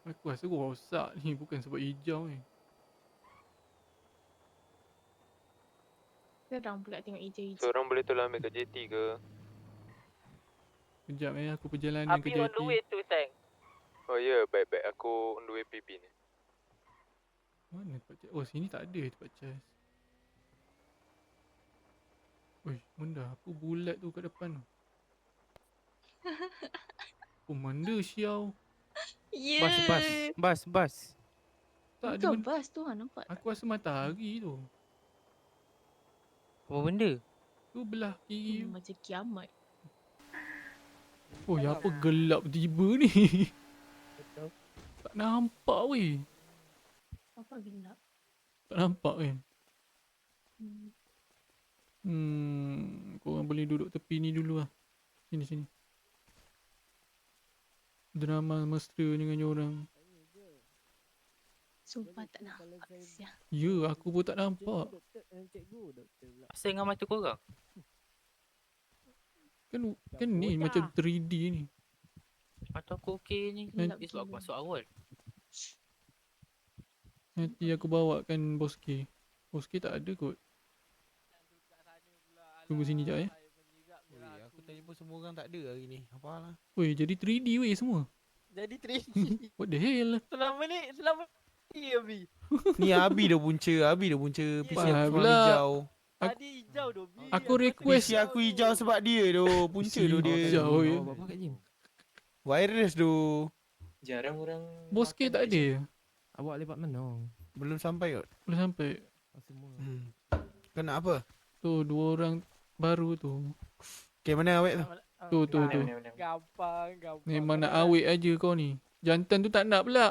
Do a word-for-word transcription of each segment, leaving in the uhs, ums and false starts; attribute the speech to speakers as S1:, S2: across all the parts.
S1: Aku rasa rosak ni, bukan sebab hijau ni.
S2: Seram pula tengok hijau-hijau.
S3: So orang boleh tolong ambil ke J T ke?
S1: Kejap eh, aku perjalanan ke
S4: Abi on
S1: J T.
S4: the way tu, Sang.
S3: Oh ya, yeah, baik-baik. Aku on the way P P ni.
S1: Mana tempat charge? Oh, sini tak ada tempat charge. Uish, benda apa bulat tu kat depan tu? Oh, mana siau?
S2: Ya.
S5: Bas, bas, bas, bas.
S1: Tak ada
S2: Bukan
S1: benda.
S2: bas tu, ha, nampak tak?
S1: Aku rasa matahari tu.
S5: Apa benda?
S1: Tu belah kiri.
S2: Hmm, macam kiamat.
S1: Oh, ya apa gelap tiba ni?
S5: Betul.
S1: Tak nampak weh.
S2: Apa gelap?
S1: Tak nampak kan?
S2: Hmm.
S1: Hmm, korang boleh duduk tepi ni dulu lah. Sini, sini. Drama mesra dengan orang.
S2: Sumpah tak nampak siang.
S1: Ya, aku pun tak nampak.
S5: Asal dengan mata korang?
S1: Kan kan ni macam three D ni.
S5: Mata aku okey ni.
S2: Gelap
S5: Ni sebab aku
S2: gila.
S5: masuk awal.
S1: Nanti aku bawakan Boski. Boski tak ada kot. Tunggu sini jap eh.
S6: Oi, aku telefon semua orang tak ada hari ni. Apalah.
S1: Weh, jadi three D weh semua.
S4: Jadi three D.
S1: What the hell?
S4: Selama ni, selama ni Abi.
S6: Ni Abi dah punca, Abi dah punca P C
S1: Faham
S6: aku
S1: pula.
S6: hijau.
S1: Aku-
S4: Tadi hijau tu, Bi.
S1: Aku
S4: Aku
S1: request-
S6: P C aku hijau sebab dia tu, punca tu dia.
S1: Hijau ya.
S5: Bawa apa kat gym?
S6: Virus tu.
S7: Jarang orang
S1: Boski
S7: makan
S1: tak
S7: kat
S1: ada.
S5: Awak lepak mana?
S6: Belum sampai kot.
S1: Belum sampai.
S5: Oh, semua.
S6: Hmm. Kau nak apa?
S1: Tu dua orang baru tu.
S6: Okay, mana awet tu?
S1: Tu tu tu.
S7: Mana, mana, mana.
S4: Gampang, gampang.
S1: Memang nak awet aja kau ni. Jantan tu tak nak pula.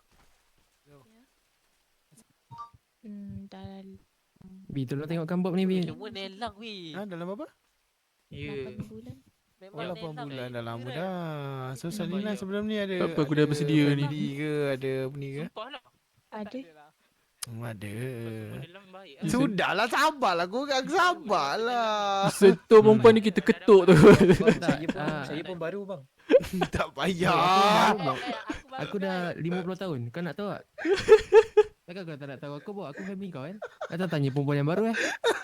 S2: Hmm, dah
S5: Bi, tolong tengokkan Bob ni, Bi.
S4: Semua nelang, Bi.
S6: Ha, dalam apa?
S5: Ya.
S2: lapan bulan.
S4: Memang
S6: Oh, lapan
S4: nelang,
S6: bulan
S4: eh.
S6: dah lama
S4: Kira.
S6: dah. So,
S5: Nampak
S6: Salina
S5: je.
S6: sebelum ni ada...
S1: Tak apa, aku dah
S6: ada
S1: bersedia ni.
S6: family ke, ada apa ni ke?
S5: Sumpah lah.
S2: Ada.
S4: lah.
S6: Hmm, ada.
S5: Dalam baik.
S1: Yes.
S6: Sudahlah, sabarlah. Korang sabarlah.
S1: Setor perempuan ni kita ketuk tu.
S7: Bang,
S5: Tak,
S7: saya pun
S5: ah.
S7: saya pun baru bang.
S6: Tak
S5: Aku
S6: payah.
S5: baru, Bob.
S4: Eh, aku baru
S5: Aku dah lima puluh tahun. Kau nak tahu tak? Takkan kau tak nak tahu aku, Bob? Aku family kau kan? Datang tanya perempuan yang baru eh?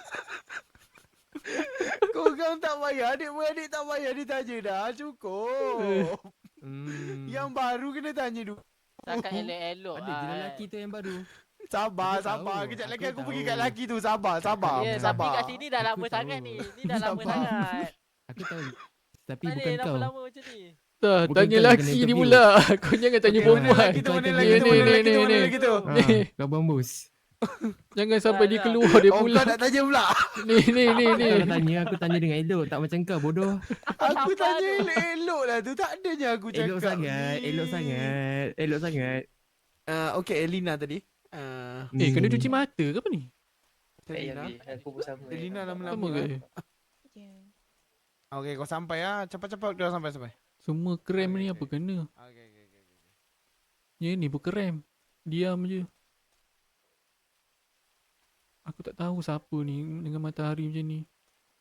S6: Korang tak payah. Adik-beradik tak payah ditanya dah. Cukup.
S5: Hmm.
S6: Yang baru kena tanya dulu.
S4: Cakap elok-elok.
S5: Ada je
S4: ah,
S5: lelaki tu yang baru.
S6: Sabar,
S5: Aku
S6: sabar.
S5: tahu,
S6: Kejap lagi
S5: aku
S6: aku pergi
S5: tahu.
S6: kat lelaki tu. Sabar, sabar.
S4: Ya, tapi
S6: sabar.
S4: kat sini dah lama
S5: Aku
S4: sangat
S5: tahu.
S4: ni. Ni dah lama
S6: Sabar.
S4: sangat.
S5: Aku tahu. Tapi
S4: Tak
S5: bukan
S4: boleh
S5: kau.
S4: lama-lama macam ni.
S1: Dah,
S5: Bukan
S1: tanya
S5: kau yang
S1: lelaki
S5: kena
S1: ni
S5: interview.
S1: pula. Kau jangan tanya
S6: Okay, mana
S1: perempuan.
S6: lelaki tu,
S5: Kau
S6: mana
S5: akan
S6: lelaki tu,
S1: ni,
S6: mana
S1: ni,
S6: lelaki tu,
S1: ni,
S6: mana
S1: ni.
S6: lelaki tu.
S5: Ha,
S1: Ni.
S5: kau bambus.
S1: Jangan sampai
S4: Tak,
S1: dia
S4: tak.
S1: keluar dia
S6: Oh,
S1: pula.
S6: kau nak tanya pula.
S1: Ni ni ni ni.
S5: Kalau tanya, aku tanya dengan elok. Tak macam kau, bodoh.
S6: Aku
S4: Sabar
S6: tanya
S4: tu.
S6: elok-elok lah tu. Tak adanya aku cakap.
S5: Elok sangat,
S6: ni.
S5: elok sangat. Elok sangat.
S6: Ah, okay, Elina tadi. Ah,
S1: Eh, kena
S5: Hmm.
S1: cuci mata ke apa ni?
S7: Tak payah
S6: Elina.
S7: Bi. Aku pun sama. eh.
S6: Elina lama-lama.
S1: Sama ke?
S2: Ya.
S6: Okay, kau sampai ah. Cepat-cepat kau sampai sampai.
S1: Semua krem
S6: Okay,
S1: ni
S6: okay.
S1: apa kena?
S6: Okay, okay, okay.
S1: Ya ni bukan krem. Diam je. Aku tak tahu siapa ni dengan matahari macam ni.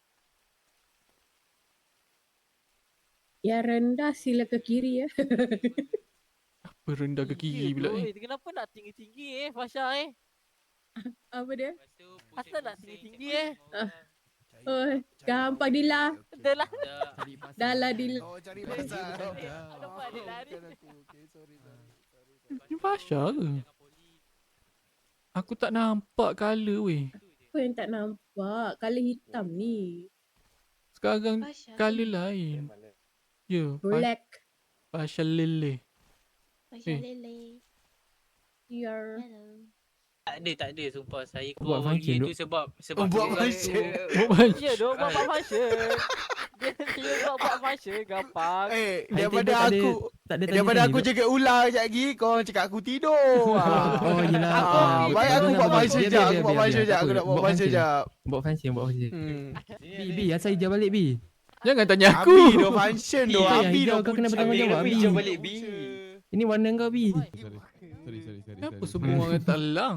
S8: Yang rendah sila ke kiri ya.
S1: Apa rendah ke kiri
S4: Ya
S1: pula
S4: tu,
S1: ni?
S4: eh. Kenapa nak tinggi-tinggi eh, Fasha eh?
S8: Apa dia?
S4: Asal nak tinggi-tinggi eh?
S8: Oh, gampang Dila.
S4: Dah lah.
S5: Cari pasal.
S8: Dah lah Dila.
S6: Oh, cari pasal.
S4: Nampak dia lari.
S6: Maafkan aku. Okay, sorry, sorry. sorry.
S1: Ni Fasha ke? Aku tak nampak colour weh.
S8: Apa yang tak nampak? Color hitam ni.
S1: Sekarang
S2: Fasha.
S1: colour lain.
S7: Mana?
S1: Ya, Fa-
S8: Black.
S1: Fasha Lele.
S2: Fasha
S1: Eh.
S2: Lele.
S8: Your.
S2: Hello.
S9: Tak ada, tak ada sumpah. Saya
S5: Buat
S9: call
S5: function,
S9: dia
S5: Dok.
S9: tu sebab sebab
S6: Oh, buat
S9: dia-
S6: function.
S4: Ya dong, buat buat function. Dia dia buat buat function gampang.
S6: Eh,
S5: Item
S6: daripada
S5: tu tak ada-
S6: aku
S5: Tak ada
S6: daripada
S5: tanya-tanya,
S6: aku
S5: Dok.
S6: jaga ular sekejap lagi, kau cakap aku tidur. Ah.
S5: Oh, yelah.
S6: Ah,
S5: Ah,
S6: baik
S5: betul,
S6: aku
S5: betul,
S6: buat
S5: betul.
S6: function
S5: Biar,
S6: sekejap,
S5: biar,
S6: aku
S5: biar,
S6: buat
S5: biar,
S6: function
S5: biar.
S6: sekejap,
S5: Tak
S6: aku
S5: apa,
S6: nak buat function sekejap.
S5: Buat function, buat function.
S6: Hmm.
S5: Bi, Bi, asal hijau balik, Bi.
S1: Jangan tanya aku.
S6: Abi dah function tu,
S5: Itu yang
S6: Abi
S5: hijau
S6: dah
S5: kau kena
S6: punca.
S5: bertanggungjawab,
S7: Abi,
S5: Bi.
S7: hijau balik, Bi.
S5: Ini warna kau, Bi.
S10: Sorry, sorry, sorry.
S1: Kenapa
S10: sorry.
S1: semua orang tak lang?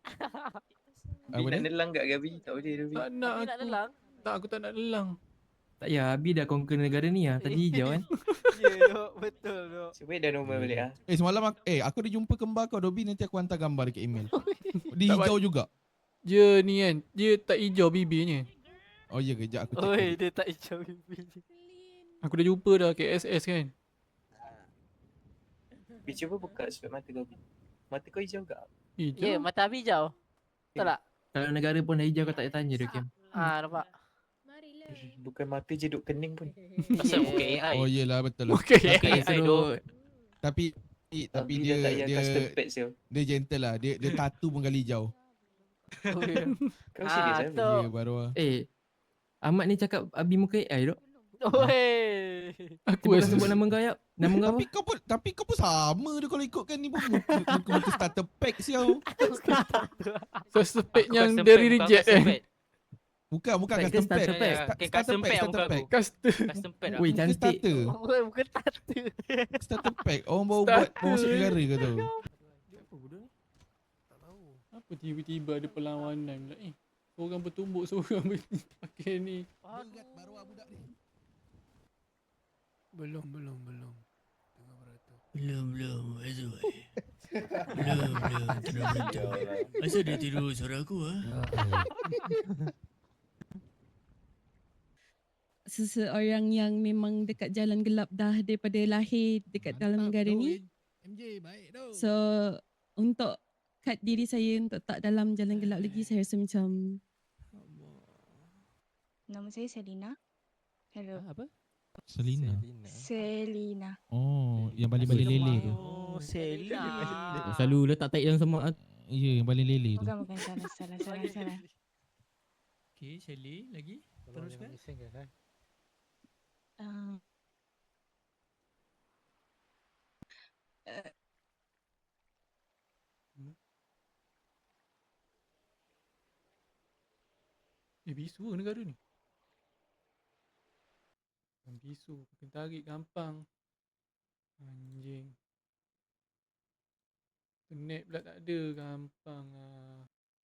S7: Bi nak nelang kat Gabi. Tak boleh dah Bi.
S1: Tak nak
S4: Abi nak
S1: aku.
S4: lelang.
S1: Tak, aku tak nak lelang.
S5: Tak ya, Abi dah conquer negara ni lah. Tadi hijau kan.
S4: Ya, dok. Betul, dok.
S7: Supaya dah normal balik ah.
S10: Eh semalam aku, eh aku ada jumpa kembar kau Dobi, nanti aku hantar gambar dekat email. Dia
S1: Tak
S10: hijau juga.
S1: Dia ni kan, dia tak hijau bibirnya.
S10: Oh ya, kejap aku check.
S4: Oi,
S10: dulu.
S4: dia tak hijau pipi.
S1: Aku dah jumpa dah K S S kan.
S7: Bi cuba buka sudut mata kau. Bi. Mata kau hijau tak?
S1: Hijau.
S4: Ya, mata Abi hijau. Betul tak?
S5: Kalau negara pun dah hijau kau tak payah tanya dia Kim.
S4: Ah, nampak.
S8: Marilah.
S7: Bukan mata je duk kening pun.
S9: Pasal bukan A I.
S10: Oh iyalah betul lah.
S1: Okay.
S9: Bukan A I dok.
S10: Tapi tapi
S7: Abi
S10: dia
S7: dah tak payah
S10: dia
S7: custom pads je.
S10: dia gentle lah. Dia dia tattoo pun kali hijau.
S4: Oh, ya.
S7: Kau
S4: Ah,
S7: serius ah?
S4: tu.
S10: Ya baru lah.
S5: Eh, Ahmad ni cakap Abi muka A I dok.
S4: Oi.
S1: Aku
S5: Cuba kau
S1: rasa
S5: sebut nama kau Yap. Nama kau apa?
S10: Tapi kau pun tapi kau pun sama dia kalau ikutkan ni pun muka muka, muka starter pack siau.
S1: first pack
S9: Aku
S1: yang
S9: custom
S1: dari
S9: pack, bukan
S1: reject
S9: custom
S1: kan.
S9: pack.
S10: Bukan bukan
S5: Pack
S10: custom
S5: ke
S10: pack.
S5: starter pack?
S10: Sta-
S9: Okay,
S10: Starter
S9: custom
S10: pack,
S9: pack
S10: starter
S9: bukan.
S10: pack.
S1: Custom.
S9: Custom pack lah.
S5: Weh,
S10: Muka
S5: cantik.
S10: starter.
S4: Bukan, bukan tata.
S10: Starter pack. Orang baru buat baru masuk negara ke tu.
S1: Apa tiba-tiba ada perlawanan pula eh. Seorang bertumbuk, seorang ber- pakai ni.
S10: Baru budak ni.
S6: Belum, belum, belum. Tengah beratur.
S11: Belum, belum. Azul. Belum, belum. Terus betul. Asal dia tidur suara aku ah?
S8: Seseorang yang memang dekat jalan gelap dah daripada lahir dekat dalam negara ni.
S10: M J baik tu.
S8: So untuk cut diri saya untuk tak dalam jalan gelap lagi, saya rasa macam
S2: Nama saya Selina. Hello.
S1: Apa?
S10: Selina.
S2: Selina.
S10: Oh, yang balik-balik lele tu.
S4: Oh, Selina.
S5: Selalu letak taik dalam semak.
S10: Ya, yang balik lele tu.
S2: Bukan, bukan. Salah, salah, salah, salah.
S11: Okay, Shelly lagi. Teruskan.
S2: Uh, uh,
S1: Eh bisu ke negara ni? Bukan bisu, pakai tarik gampang. Anjing. Internet pula tak ada, gampang lah.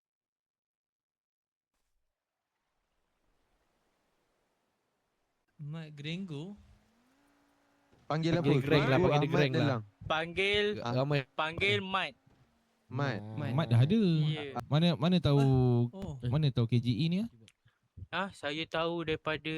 S11: Mat Grengo.
S6: Panggil apa?
S12: Panggil Greg lah,
S6: Aku
S12: panggil dia
S6: Ahmad
S12: Greg lah.
S6: Delang.
S9: Panggil
S12: Ramai.
S9: panggil Mat.
S6: Mat.
S10: Mat dah ada.
S9: Ya.
S10: Mana mana tahu
S11: Oh.
S10: mana tahu K J E ni ah?
S9: Ah, saya tahu daripada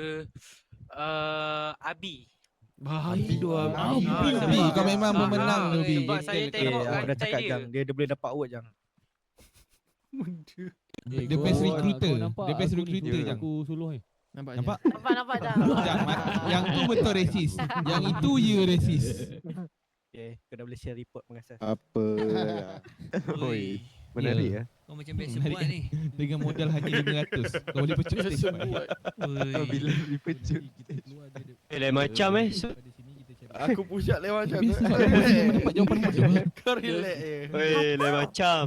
S9: uh, Abi.
S12: Abi tu
S10: Ah,
S12: Abi.
S10: Bi, kau memang
S9: Ah,
S10: pemenang
S9: ah,
S10: tu Bi.
S9: sebab saya tengok
S12: aku dah
S9: rantai
S12: cakap
S9: dia.
S12: Jang, dia, dia boleh dapat award Jang.
S1: Benda.
S10: The best recruiter. The best recruiter
S6: ni,
S10: Jang.
S12: Aku suluh eh.
S5: Nampak?
S10: Nampak?
S4: Nampak, nampak dah.
S10: Jang, Mat, yang tu betul resis. Yang itu je resis.
S12: Okay, kau dah boleh share report pengasas.
S6: Apa? Oi, menarik ya.
S11: Kau macam biasa
S10: Menarik.
S11: buat ni.
S10: Dengan modal hanya lima ratus. Kau boleh pecut
S1: Biasa
S10: stage.
S1: buat.
S11: Oi.
S6: Bila dipecut.
S12: Eh, lain macam eh.
S6: Aku push up lewat macam tu.
S10: Biasa mana dapat jawapan bodoh.
S6: Kau relax je.
S12: Oi, lain macam.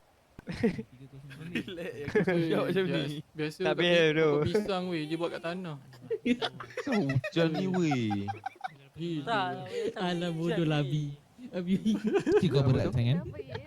S6: Relax je. Aku push up macam ni.
S1: Biasa
S12: Tak
S1: kat pi-
S12: behave tu.
S1: pokok pisang weh, dia buat kat tanah.
S6: Kau hujan ni weh.
S1: Gila.
S4: Tak.
S5: Alah bodoh lah Abi. Abi.
S10: Cik kau berat sangat.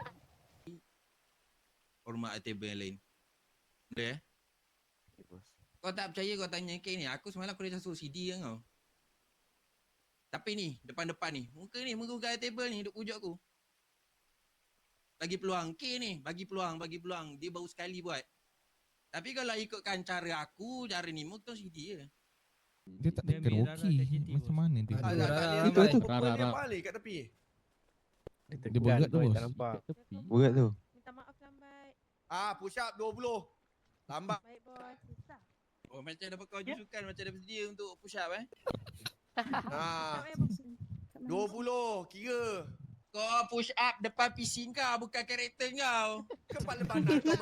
S11: Hormat table yang lain. Boleh eh? Kau tak percaya kau tanya K ni. Aku semalam aku dah casut C D kan kau. Tapi ni, depan-depan ni. Muka ni, muka buka table ni duk pujuk aku. Bagi peluang. K ni, bagi peluang, bagi peluang. Dia baru sekali buat. Tapi kalau ikutkan cara aku, cara ni, muka C D je.
S10: Dia tak tekan okey. Macam mana tu?
S12: Tak, tak, tak,
S6: Itu tu.
S12: Rara, Rara.
S6: balik kat tepi.
S10: Dia berat tu bos.
S12: Tak nampak.
S6: Berat tu.
S2: Minta maaf lambat.
S6: Ah, push up dua puluh. Lambat.
S2: Baik, bos. Susah.
S11: Oh, macam dah pakai baju sukan, macam dah bersedia untuk push up eh.
S6: Ah,
S2: Tak payah, bos. Kat mana,
S6: dua
S2: bos?
S6: puluh. Kira.
S11: Kau push up depan P C kau, bukan karakter kau.
S6: Kepala panas kau.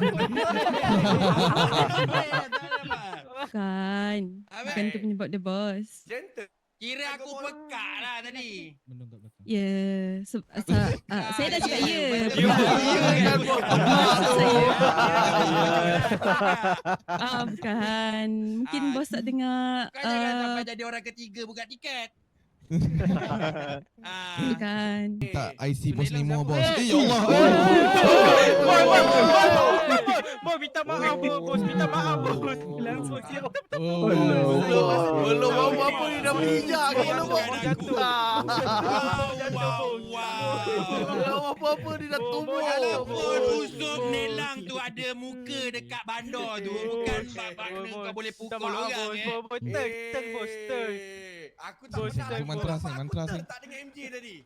S8: kan. Bukan tu penyebab dia bos.
S6: Gentle.
S11: Kira aku pekak lah tadi.
S10: Menung kat belakang.
S8: Ya, yeah. Se- asa- ah, saya dah cakap ya.
S11: You, you kan buat
S8: Ah, bukan. Mungkin
S11: Ah,
S8: bos tak dengar.
S11: Kau jangan
S8: ah,
S11: sampai jadi orang ketiga buka tiket. Ah.
S8: Bukan.
S10: Tak I C bos
S11: Nelang
S10: Nemo
S11: siapa?
S10: bos.
S11: Eh,
S10: Eh ya Allah.
S9: Boy, boy, boy, boy, boy, minta maaf, boy, bos, minta maaf, bos. Langsung siap.
S10: Oh.
S6: Belum apa-apa ni dah bijak. Belum Belum apa-apa ni dah tumbuh.
S11: Walaupun Usob Nelang tu ada muka dekat bandar tu, bukan bab-bab kau boleh pukul orang eh.
S9: Bos, bos, turn, turn, bos, turn.
S11: Aku tak
S9: Bos,
S11: pernah
S9: turn,
S11: aku
S10: mantra
S11: tak
S10: sing, mantra sing.
S11: tak dengan M J tadi.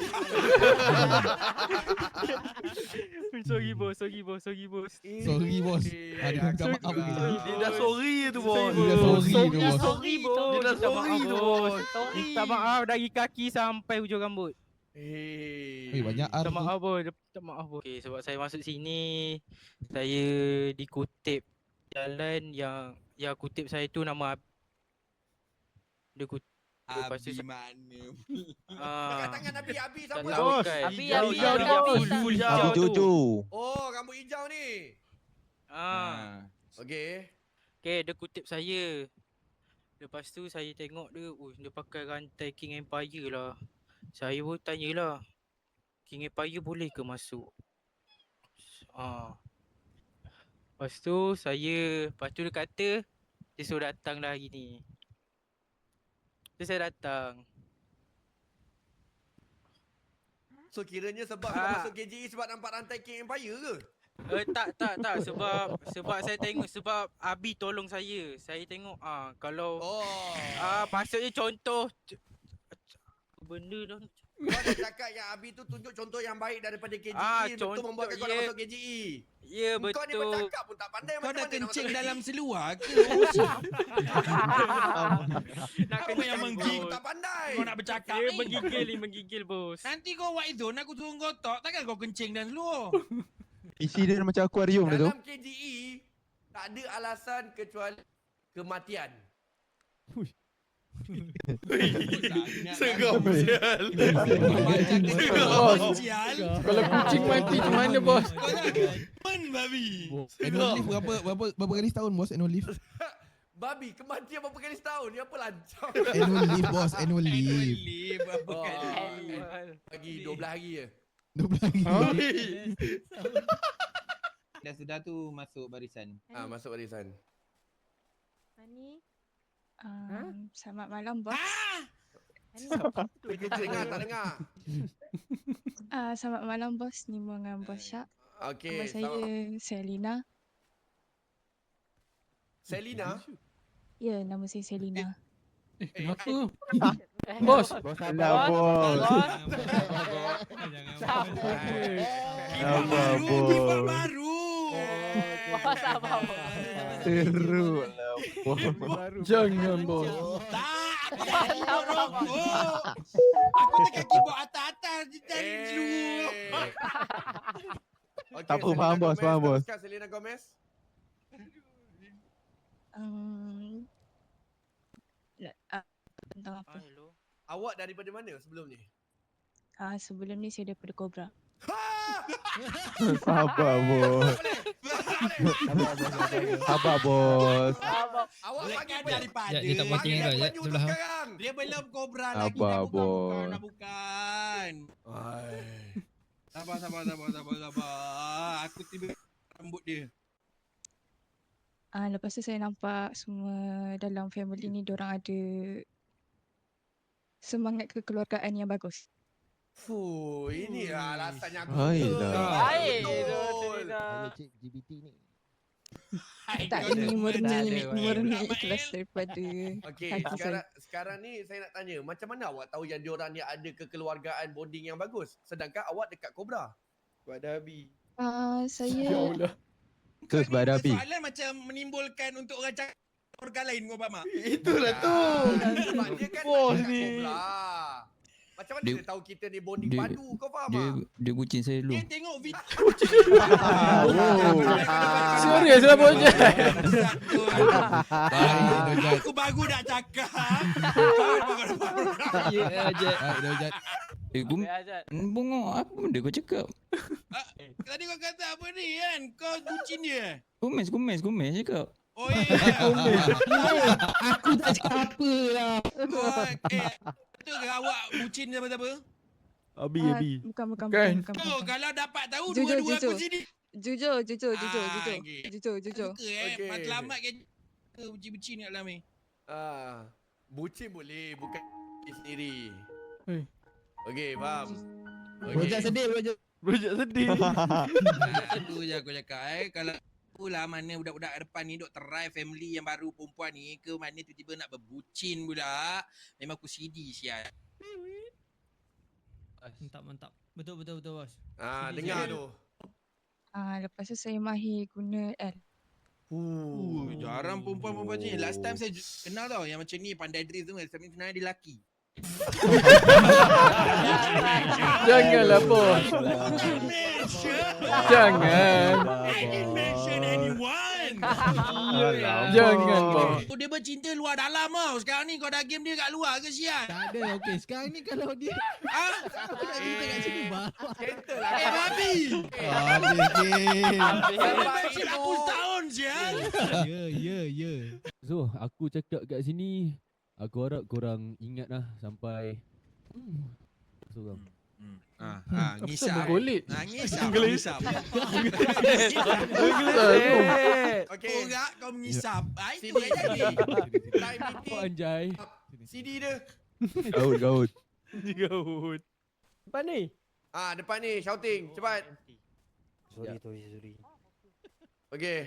S9: Sorry, bos, sorry, bos, sorry, bos.
S10: Sorry bos. Ada minta maaf.
S6: Dia dah sorry tu bos.
S10: Dia dah sorry tu bos.
S9: Sorry, bos.
S6: Dia dah
S9: Minta
S6: sorry
S9: maaf,
S6: tu
S9: bos.
S6: bos.
S9: Minta maaf dari kaki sampai hujung rambut.
S6: Eh.
S10: Eh banyak ar
S9: Minta
S10: tu.
S9: maaf, bos. Minta maaf, bos. Okay, sebab saya masuk sini, saya dikutip jalan yang yang kutip saya tu nama Ab- dia kutip. Lepas tu
S11: Abi
S9: saya-
S11: mana?
S9: Ah.
S11: Tangan Abi, Abi
S9: Tak
S11: siapa?
S9: tahu
S11: Abi?
S9: kan.
S4: Abi,
S9: Hijau,
S4: Abi,
S9: hijau,
S4: Abi,
S9: hijau,
S4: Abi.
S9: full, full hijau tu.
S12: Jojo.
S11: Oh, rambut hijau ni.
S9: Ah.
S11: Okey.
S9: Okay, dia kutip saya. Lepas tu saya tengok dia, oh, dia pakai rantai King Empire lah. Saya pun tanyalah, King Empire boleh ke masuk? Ah. Lepas tu saya, lepas tu dia kata, dia suruh datang lah hari ni. Tu saya datang.
S6: So kiranya sebab kau
S9: Ah.
S6: masuk K J E sebab nampak rantai King Empire ke?
S9: Eh tak tak tak sebab sebab saya tengok sebab Abi tolong saya. Saya tengok ah kalau
S6: Oh.
S9: ah maksudnya contoh c- c- benda dah
S6: Kau dah cakap yang Abi tu tunjuk contoh yang baik daripada K J E.
S9: Ah,
S6: betul
S9: contoh,
S6: membuatkan kau nak
S9: ya.
S6: masuk K J E.
S9: ya
S6: Kau ni
S9: betul.
S6: bercakap pun tak pandai
S11: Kau
S6: macam
S11: dah
S6: mana nak
S11: kencing
S6: masuk
S11: dalam
S6: K J E.
S11: seluar ke?
S9: Nak
S11: Apa yang
S9: kencing,
S11: menggigil?
S9: bos.
S6: Tak pandai.
S11: Kau nak bercakap
S9: Dia
S11: ni?
S9: menggigil ni menggigil bos.
S11: Nanti kau white zone aku suruh kau tok, takkan kau kencing dalam seluar?
S12: Isi dia macam akuarium dia tu.
S6: Dalam K J E tak ada alasan kecuali kematian.
S11: Segam
S6: sial.
S1: Bos. Kalau kucing mati macam mana bos?
S11: Kau dah men babi.
S10: Annual leave berapa berapa berapa kali setahun bos annual leave?
S6: Babi kematian berapa kali setahun? Ni apa lancar?
S10: Annual leave bos, annual
S11: Annual
S10: leave.
S11: leave apa
S6: Oh,
S11: kali?
S6: bagi dua belas hari je.
S10: dua belas hari.
S12: Dah sudah tu masuk barisan.
S6: Ah, masuk barisan.
S2: Ani.
S8: Um, selamat malam bos.
S2: Ani.
S6: Dengar tak dengar?
S8: Uh, selamat malam bos. Nimo dengan bos Syak.
S6: Okey.
S8: Nama saya Selina.
S6: Selina.
S8: Ya, nama saya Selina.
S1: Eh kenapa?
S4: Eh,
S1: Bos.
S12: Bos
S4: Sabar, bos.
S11: Kipas baru, kipas baru.
S4: Bos, sabar, bos.
S12: Teruk
S1: Jangan bos.
S11: Tak, aku tak keyboard rokok. Aku tekan keyboard atas-atas di tadi dulu.
S6: Okay,
S12: Tak apa, faham, bos, faham, bos.
S6: Selena Gomez.
S8: Um, uh, tentang apa?
S9: Ah, hello.
S6: Awak daripada mana sebelum ni?
S8: Ah, sebelum ni saya daripada Cobra.
S12: Sabar bos. Sabar bos.
S6: Awak
S11: Boleh
S6: panggil
S11: kan
S6: pen-
S11: daripada.
S5: Ya, dia tak buat tinggal dah, ya,
S6: penyu tu
S5: sebelah.
S6: sekarang.
S11: Dia belum kobra lagi.
S12: Sabar,
S11: Dah bukan, bukan,
S12: bos.
S11: dah bukan. Sabar, sabar, sabar, sabar, sabar. Aku tiba rambut dia.
S8: Ah, lepas tu saya nampak semua dalam family ni diorang ada semangat kekeluargaan yang bagus.
S6: Fuh, ini lah alasan yang aku
S12: Ayolah.
S4: Baik,
S6: Betul.
S4: Selina.
S10: Cik G B T ni.
S8: Tak,
S11: kau
S8: ini
S11: semua
S8: murni,
S11: tak ada,
S8: murni
S11: Mak.
S8: ikhlas daripada
S6: Okey,
S8: hati
S6: sekarang
S8: saya.
S6: sekarang ni saya nak tanya, macam mana awak tahu yang diorang ni ada kekeluargaan bonding yang bagus sedangkan awak dekat Cobra?
S3: Pada Abi.
S8: Ah,
S1: Ya
S8: saya
S1: Allah.
S12: Tu sebab ada api.
S11: Soalan macam menimbulkan untuk orang cakap keluarga lain kau faham tak?
S6: Itulah tu. Sebab dia kan
S12: Bos
S6: dekat
S12: ni.
S6: Cobra. Macam mana
S12: Dia-
S6: dia, tahu kita ni bonding
S12: dia-
S6: padu, kau faham
S12: Dia
S6: tak?
S12: dia kucing saya dulu.
S11: Dia tengok video.
S1: Serius lah bos.
S10: Baik Dojat.
S11: Aku baru nak cakap.
S5: Ya aja.
S10: Baik Dojat.
S12: Eh gum
S4: Baik, Azad.
S12: bongok apa benda kau cakap?
S11: Tadi kau kata apa ni kan? Kau kucing dia.
S12: Kumis kumis kumis cakap.
S11: Oh ya.
S10: Aku tak cakap apa lah.
S11: Oh, eh, betul ke awak bucin siapa-siapa?
S12: Abi,
S2: Ah,
S12: Abi.
S2: Bukan, bukan,
S1: Kan?
S2: bukan, bukan,
S11: Oh,
S2: bukan.
S11: kalau dapat tahu
S2: Jujur,
S11: dua-dua aku
S2: jujur.
S11: sini.
S2: Jujur, jujur, jujur,
S11: Ah,
S2: jujur.
S11: okey.
S2: Jujur, jujur.
S11: Suka eh,
S6: Okey.
S11: matlamat ke ke bucin-bucin kat dalam ni.
S6: Ah, bucin boleh, bukan diri sendiri.
S1: Eh.
S6: Okey, faham.
S10: Projek sedih, projek.
S12: Projek sedih.
S11: Ah, Itu je aku cakap eh. Kalau aku lah mana budak-budak kat depan ni duk try family yang baru perempuan ni ke mana tiba-tiba nak berbucin pula. Memang aku sidi sial.
S5: Mantap, mantap. Betul, betul, betul, bos.
S6: Ah,
S5: Sedih
S6: dengar
S5: sikit.
S6: tu.
S2: Ah, lepas tu saya mahir guna L.
S11: Uh, jarang perempuan-perempuan macam ni. Last time saya ju- kenal tau yang macam ni pandai drift tu. Tapi sebenarnya dia lelaki.
S1: Janganlah bos. Jangan.
S11: I didn't mention anyone.
S1: Jangan bos.
S11: Oh, dia bercinta luar dalam tau. Sekarang ni kau dah game dia kat luar ke sial?
S10: Tak ada, okey. Sekarang ni kalau dia
S11: Ha?
S10: aku nak cerita kat sini baru.
S6: Gentle lah.
S11: Eh, babi.
S10: Habis game.
S11: Relationship aku setahun sial.
S10: Ya, ya, ya.
S5: So, aku cakap kat sini, aku harap korang ingat lah sampai seorang.
S11: Ah, ah,
S1: Apa
S11: ngisap.
S1: bergolek?
S11: Ah, ngisap, ngisap.
S6: Okey.
S11: Korak kau mengisap. Ah, itu
S6: Sini,
S11: yang jadi.
S6: Time
S5: Apa
S6: meeting.
S5: anjay?
S6: C D dia.
S12: Gaut, gaut.
S4: Gaut. Depan ni.
S6: Ah, depan ni shouting, cepat.
S4: Sorry, sorry, sorry.
S6: Okey.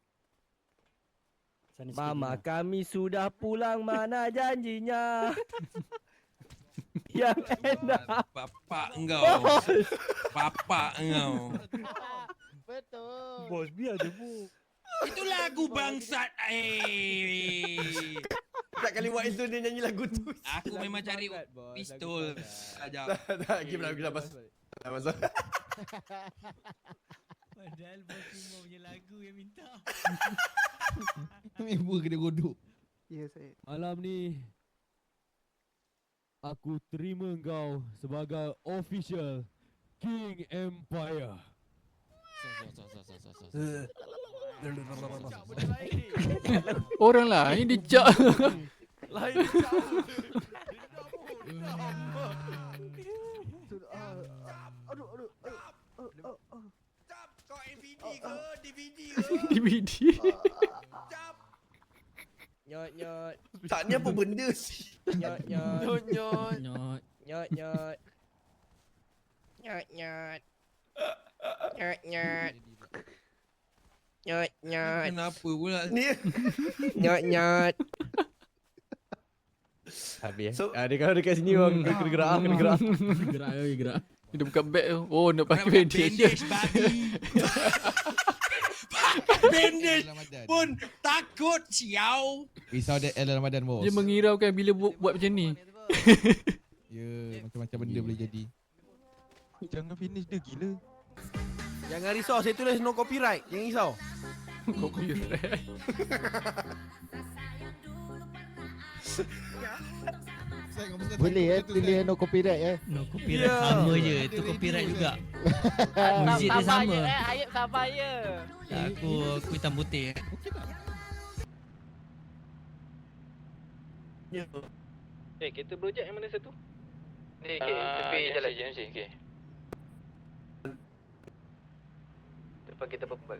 S4: Mama kami sudah pulang, mana janjinya? Yang enak.
S11: Bapak engkau. Bapak engkau.
S4: Betul. Bos, biar dia bu.
S11: Itu lagu bangsat. Eh.
S6: Tak kali buat itu dia nyanyi lagu tu.
S11: Aku memang cari pistol. Sekejap.
S6: Tak, tak, game lagu dah pas. Tak masuk.
S5: Padahal bos cuma punya lagu yang minta.
S10: Member kena godok.
S4: Ya, saya.
S5: Malam ni aku terima kau sebagai official King Empire.
S1: Orang lain dijak.
S4: Lain. Aduh, aduh, aduh.
S11: Cap, kau M V D ke? D V D ke?
S1: D V D.
S11: Cap.
S4: Nyot, nyot.
S6: Tak ni apa benda sih?
S4: Nyot, nyot.
S6: Nyot nyot.
S5: Nyot.
S4: Nyot, nyot. Nyot, nyot. Nyot, nyot. Nyot, nyot.
S11: Kenapa pula?
S6: Ni.
S4: Nyot, nyot. Habis. So, ah, dia kalau dekat sini orang kena gerak, ah, kena gerak.
S5: Gerak, oi, gerak.
S1: Dia buka beg tu. Oh, nak pakai
S11: Pakai
S1: bandage.
S11: bandage babi. Bandage pun takut siau.
S10: Risau dia L Ramadan bos.
S1: Dia mengiraukan bila buat, buat macam ni.
S10: Ya, macam-macam benda boleh jadi.
S12: Jangan finish dia gila.
S6: Jangan risau, saya tulis no copyright. Jangan risau.
S1: Kau copyright.
S10: Boleh eh, tulis no copyright eh.
S5: No copyright sama je. Itu copyright juga. Muzik dia
S4: Sabar
S5: sama.
S4: je, eh. Ayub sabar je.
S5: Aku aku hitam putih.
S9: Eh, kereta projek yang mana satu?
S3: Ni, okay, tepi jalan J M C, okay. Depan kita pembal.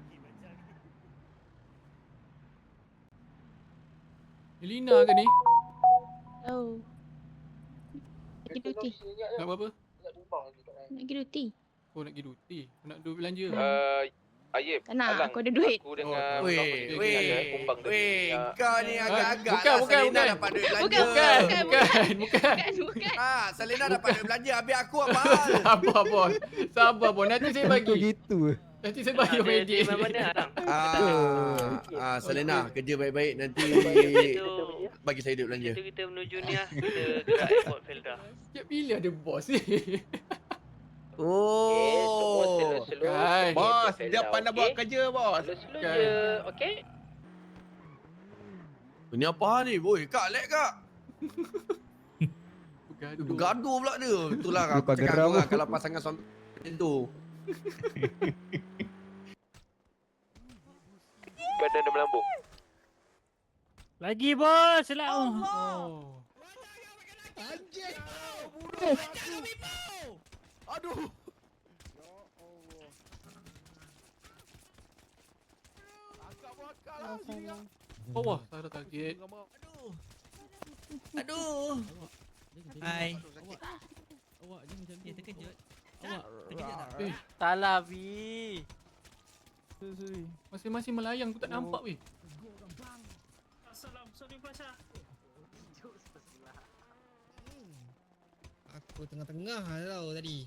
S1: Elina ke ni?
S2: Oh. Nak pergi duty.
S1: Nak buat apa?
S2: Nak pergi duty.
S1: Oh, nak pergi duty. Nak duit belanja.
S3: Uh, Ayib,
S2: Tak nak,
S3: Alang,
S2: aku ada duit.
S3: Aku dengan
S6: Weh,
S3: Muhammad
S6: weh,
S3: ada kumbang tadi.
S6: weh,
S3: Ah,
S6: kau ni agak-agak
S1: bukan,
S6: lah
S1: bukan,
S6: Selena
S1: bukan.
S6: dapat duit belanja.
S2: Bukan, bukan, bukan,
S1: bukan, bukan.
S2: Bukan, bukan.
S6: Ah, Selena dapat duit belanja, habis aku apa hal?
S1: Sabar bos. Sabar bos. Nanti saya bagi.
S10: Gitu.
S1: Nanti saya bagi
S9: Ada
S1: medik.
S9: di mana Alang?
S6: Ah, ah, Selena, kerja baik-baik nanti bagi saya duit belanja.
S9: Kita kita menuju ni lah. Kita gerak airport Felda.
S1: Setiap bila ada bos ni?
S6: Oh.
S1: Kan.
S6: Bos, dia pandai buat kerja, bos.
S9: Slow-slow
S1: Kan.
S9: je, okey?
S6: Ini apa hal ni? Boy, kak, lek kak.
S1: Bergaduh.
S6: Bergaduh pula dia. Itulah aku
S4: Lupa
S6: cakap
S4: geram.
S6: kau lah kalau pasangan suami macam tu.
S3: Badan dia melambung.
S4: Lagi bos, lah.
S1: Oh.
S10: Anjing.
S12: Aduh. Akak buat akak lah sini kak.
S1: Bawah, salah target.
S11: Aduh. Aduh. Hai.
S5: Awak jangan macam
S11: Ya, terkejut.
S5: Awak
S11: Terkejut tak?
S1: Eh,
S4: Salah B.
S1: masing-masing melayang tu tak nampak weh.
S6: Aku tengah-tengah tau tadi.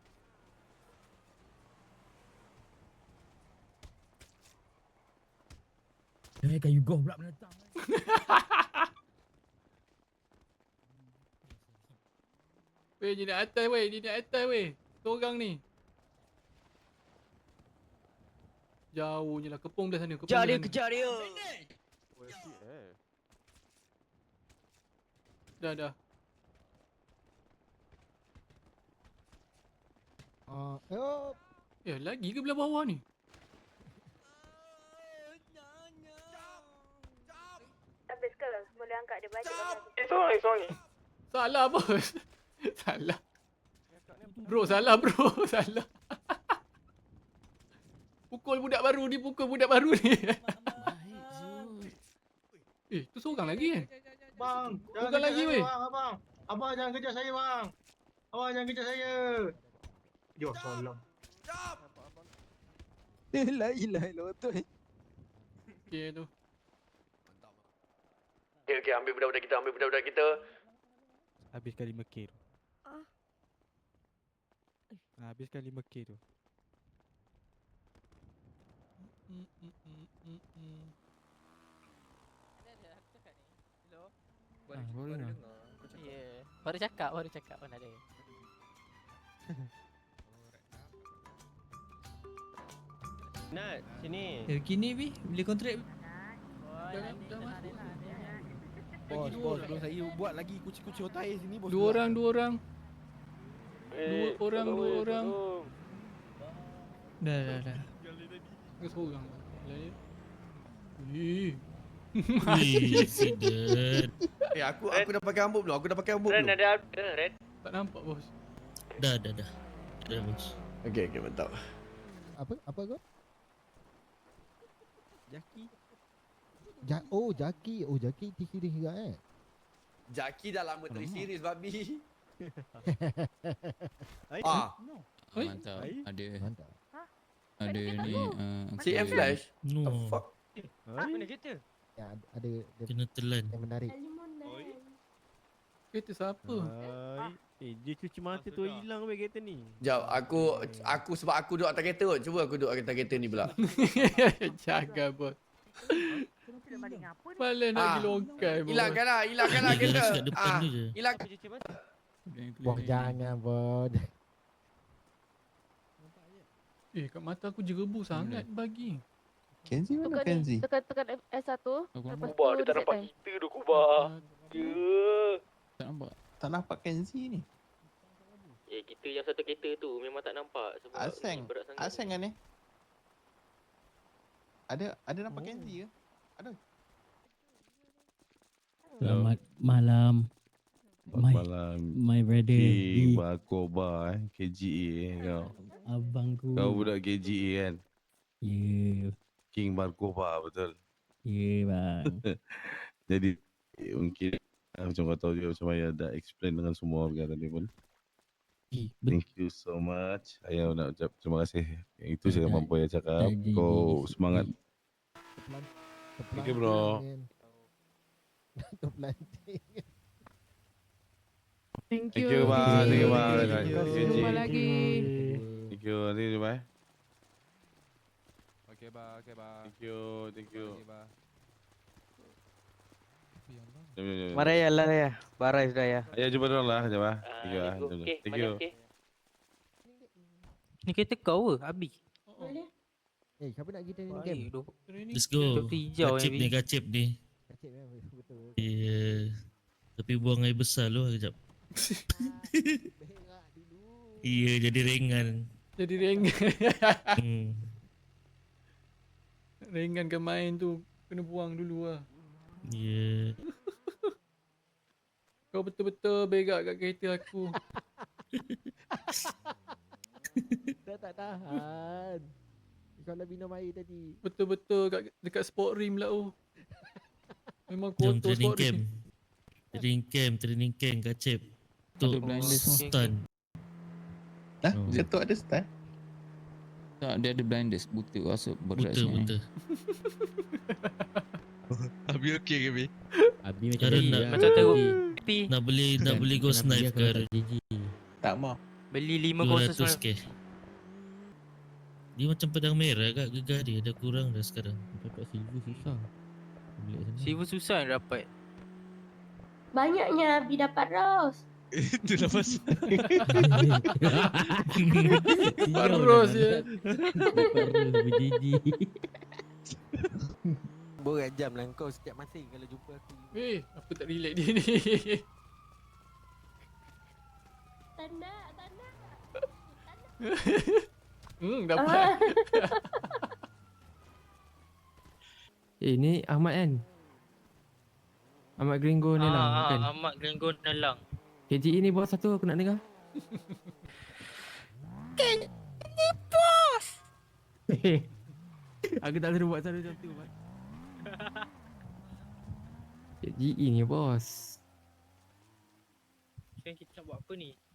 S5: Eh, kayu golf pula menentang.
S1: Weh, dia nak atas weh, dia nak atas weh. Seorang ni. Jauh je lah, kepung dah sana. Kepung
S4: Kejar
S1: dah
S4: dia,
S1: sana.
S4: kejar dia.
S1: Dah, dah.
S12: Ah, uh,
S1: Eh, lagi ke belah bawah ni?
S13: Habis ke? Boleh angkat dia balik.
S3: Eh, sorry, sorry.
S1: Salah bos. Salah. Bro, salah bro. Salah. Pukul budak baru ni, pukul budak baru ni. Eh, tu seorang lagi kan?
S14: Bang, jangan
S1: Bukan lagi,
S14: kejar
S1: weh.
S14: saya, bang, abang. Abang jangan kejar saya, bang. Abang jangan kejar saya. Yo, solam.
S12: La ilaha illallah betul.
S1: Okay tu.
S3: Okay, okay, ambil budak-budak kita, ambil budak-budak kita.
S12: Habiskan lima K tu.
S13: Ah.
S12: Habiskan lima K tu.
S1: Mm, mm, mm, mm, mm.
S5: Ah, baru dengar.
S4: Ya. Baru cakap, baru cakap mana ada.
S14: Nat, sini.
S11: Kini bi, boleh kontrak.
S1: Dah, dah masuk.
S12: Bos,
S1: dua
S12: bos,
S1: orang.
S12: belum saya buat lagi kucing-kucing otai sini bos.
S1: Dua orang, dua orang. Dua orang, dua orang.
S11: Dah, dah, dah.
S1: Ke seorang. Lain. Eh.
S6: Eh, aku aku dah pakai rambut belum? Aku dah pakai rambut belum?
S3: ada ada, Red.
S1: Tak nampak bos.
S5: Dah, dah, dah. Dah, bos.
S6: Okey, okey, mantap.
S12: Apa apa kau?
S5: Jaki.
S12: Ja oh Jaki, oh Jaki T Q dia juga eh.
S6: Jaki dah lama tak series babi.
S12: Ah.
S1: Oi.
S15: Mantap. Ada
S12: Mantap.
S15: ada ni uh,
S6: C M Flash. The
S5: No.
S6: fuck?
S14: Mana kereta?
S12: Ya ada, ada dia
S5: Kena telan.
S12: yang menarik.
S1: Kereta siapa?
S12: Hai. Eh dia cuci mata tu hilang weh kereta ni.
S6: Jap, aku aku sebab aku duduk atas kereta kot. Cuba aku duduk atas kereta ni pula.
S1: Jaga bos. Malah nak
S6: Ah.
S1: pergi longkai bos.
S6: Hilangkanlah, hilangkanlah
S5: Dia
S6: kereta.
S5: garas kat depan
S6: Ah,
S5: tu je.
S6: hilang.
S12: Bos jangan bos.
S1: Eh, kat mata aku jerebu sangat bagi.
S12: Kenzi
S13: Tukar ni, tekan tekan S satu.
S15: Aku
S13: Lepas
S3: Kubar,
S13: tu
S3: dia tak
S13: reset
S3: nampak
S13: time.
S3: kita tu, Kubar. Ya.
S15: tak nampak.
S12: Tak nampak Kenzi ni.
S9: Eh, kita yang satu kereta tu memang tak nampak sebab
S12: Aseng.
S9: ni berat sangat.
S12: Aseng kan ni? Ada ada nampak Kenzi ke? Ada.
S5: Selamat malam. My,
S10: Malam
S5: my brother.
S10: King
S5: Di,
S10: Bakoba eh K G A eh kau.
S5: abangku.
S10: Kau budak K G A kan?
S5: Ya, yeah,
S10: King Bakoba betul.
S5: ya yeah, bang.
S10: Jadi eh, mungkin ah, macam kau tahu juga macam Ayah dah explain dengan semua orang tadi pun.
S5: Eh, bet-
S10: Thank you so much. Ayah nak ucap terima kasih. Yang itu saya
S5: Tak-
S10: mampu Ayah cakap.
S5: tak jadi.
S10: Kau semangat.
S12: Terpelan-
S10: Thank you, bro.
S12: terpelanting, kan. Terpelanting.
S8: Thank
S10: Thank
S8: you.
S10: you bang. Thank you bang.
S12: Thank
S10: Thank
S12: you.
S10: you.
S8: Jumpa lagi.
S10: Thank you. Nanti jumpa eh.
S12: Okey bang, okey bang.
S10: Thank you. Thank you.
S12: Okey bang.
S10: Jom, jom, jom.
S4: Mari ya lah ya. Barai sudah ya.
S10: Ayah jumpa dulu lah. Jom ah.
S3: Ah,
S10: Thank you ah.
S3: let's go.
S10: Jom, jom.
S3: Okay,
S10: Thank
S3: mana
S10: you.
S3: okay?
S9: Ni kereta kau ke, Abi?
S12: Eh, siapa nak kita ni
S9: Baik,
S12: game?
S9: duk-
S5: Let's go.
S9: Duk hijau
S5: Gacip
S9: ni,
S5: ni,
S9: Bi.
S5: gacip ni.
S12: Kacip eh, betul.
S5: Ya. Yeah. Tapi buang air besar lu kejap.
S12: Berak dulu.
S5: Iya, jadi ringan.
S1: Jadi ringan.
S5: Hmm.
S1: Ringan ke main tu. Kena buang dulu lah.
S5: Ya.
S1: Kau betul-betul berak kat kereta aku.
S12: Dah tak tahan. Kalau minum air tadi.
S1: Betul-betul kat dekat sport rim lah oh. Memang
S16: Jom
S1: kotor
S16: training
S1: sport
S16: camp.
S1: rim.
S16: Training camp, training camp Kacip. Untuk
S15: Ada blinders semua.
S16: stun.
S15: Hah?
S16: Oh.
S15: Dia tu ada style? Tak, dia ada blinders. Buta rasa berat
S16: Buta,
S15: sangat.
S16: buta.
S17: Abi okey ke Abi?
S5: Abi macam
S16: Sekarang
S5: Abi
S16: nak,
S5: lah.
S9: Macam teruk.
S5: Abi.
S9: Tapi
S16: nak beli, nak beli ghost
S5: Kenapa
S16: knife
S5: dia
S16: ke
S5: kalau
S16: hari?
S5: tak G G?
S15: Tak mau.
S9: beli lima
S16: dua
S9: kosong
S16: ratus
S9: semalam.
S16: K. Dia macam pedang merah kat gegar dia. Dah kurang dah sekarang.
S5: Dapat silver susah. Beli kat sana.
S9: Silver susah nak dapat.
S13: Banyaknya Abi dapat Rose.
S17: Itu dah pasal.
S1: Dapat Rose je.
S5: Dapat Rose berjiji.
S12: Borak jam lah kau setiap masa kalau jumpa aku.
S1: Eh, apa tak relax dia ni?
S13: Tanda, tanda.
S1: Hmm, dapat.
S5: Eh ni Ahmad kan? Ahmad Gringo ni lah
S9: Ah,
S5: kan?
S9: ah, Ahmad Glengo Nelang.
S5: K G E ni bos satu aku nak dengar.
S9: Kan ni bos.
S5: Aku tak boleh buat selalu macam tu. K G E ni bos.
S9: Sekarang kita nak buat apa ni?